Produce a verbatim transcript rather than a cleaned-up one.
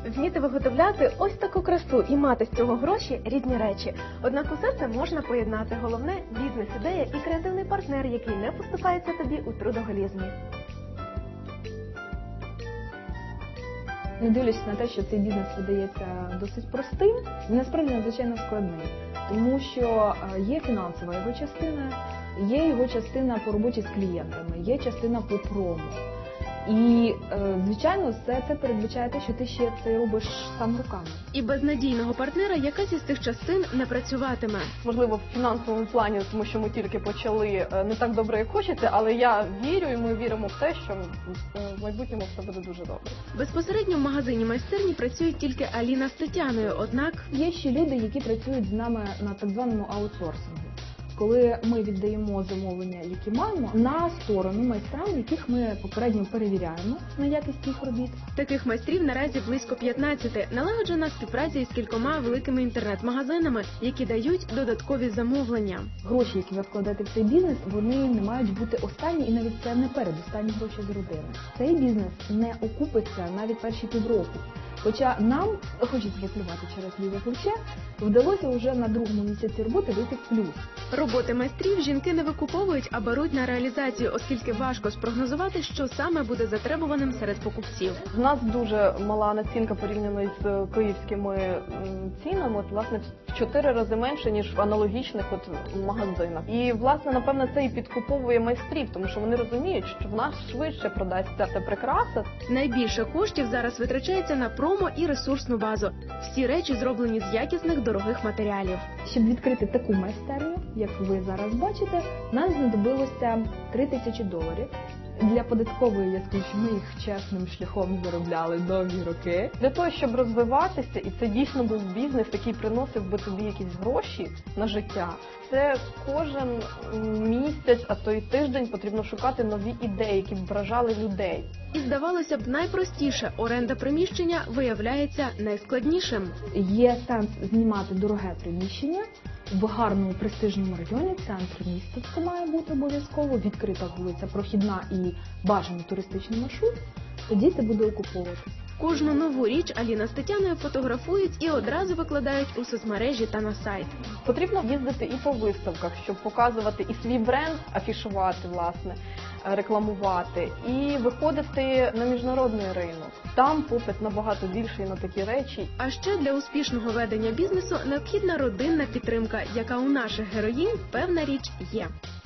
Вміти виготовляти ось таку красу і мати з цього гроші – різні речі. Однак усе це можна поєднати. Головне – бізнес-ідея і креативний партнер, який не поступається тобі у трудоголізмі. Не дивлячись на те, що цей бізнес видається досить простим, він насправді надзвичайно складний. Тому що є фінансова його частина, є його частина по роботі з клієнтами, є частина по промо. І, звичайно, все це передбачає те, що ти ще це робиш сам руками. І без надійного партнера якась із цих частин не працюватиме. Можливо, в фінансовому плані, тому що ми тільки почали, не так добре, як хочеться, але я вірю і ми віримо в те, що в майбутньому все буде дуже добре. Безпосередньо в магазині майстерні працюють тільки Аліна з Тетяною, однак... Є ще люди, які працюють з нами на так званому аутсорсингу. Коли ми віддаємо замовлення, які маємо, на сторону майстрам, яких ми попередньо перевіряємо на якість їх робіт. Таких майстрів наразі близько п'ятнадцяти. Налагоджена співпраця із кількома великими інтернет-магазинами, які дають додаткові замовлення. Гроші, які ви вкладаєте в цей бізнес, вони не мають бути останні, і навіть це не передостанні гроші з родини. Цей бізнес не окупиться навіть перші півроку. Хоча нам, хочеться поплювати через ліве плече, вдалося вже на другому місяці роботи вийти в плюс. Роботи майстрів жінки не викуповують, а беруть на реалізацію, оскільки важко спрогнозувати, що саме буде затребуваним серед покупців. У нас дуже мала націнка порівняно з київськими цінами, от, власне, в чотири рази менше, ніж в аналогічних от магазинах. І, власне, напевно, це і підкуповує майстрів, тому що вони розуміють, що в нас швидше продасться ця прикраса. Найбільше коштів зараз витрачається на промо і ресурсну базу. Всі речі зроблені з якісних дорогих матеріалів. Щоб відкрити таку майстерню, як ви зараз бачите, нам знадобилося три тисячі доларів. Для податкової я скажу, що ми їх чесним шляхом заробляли довгі роки. Для того, щоб розвиватися, і це дійсно був бізнес, який приносив би тобі якісь гроші на життя, це кожен місяць, а то й тиждень потрібно шукати нові ідеї, які б вражали людей. І, здавалося б, найпростіше – оренда приміщення виявляється найскладнішим. Є сенс знімати дороге приміщення в гарному престижному районі, центр міста це має бути обов'язково, відкрита вулиця, прохідна і бажаний туристичний маршрут, тоді це буде окуповуватися. Кожну нову річ Аліна з Тетяною фотографують і одразу викладають у соцмережі та на сайт. Потрібно їздити і по виставках, щоб показувати і свій бренд, афішувати, власне, рекламувати, і виходити на міжнародний ринок. Там попит набагато більший на такі речі. А ще для успішного ведення бізнесу необхідна родинна підтримка, яка у наших героїнь, певна річ, є.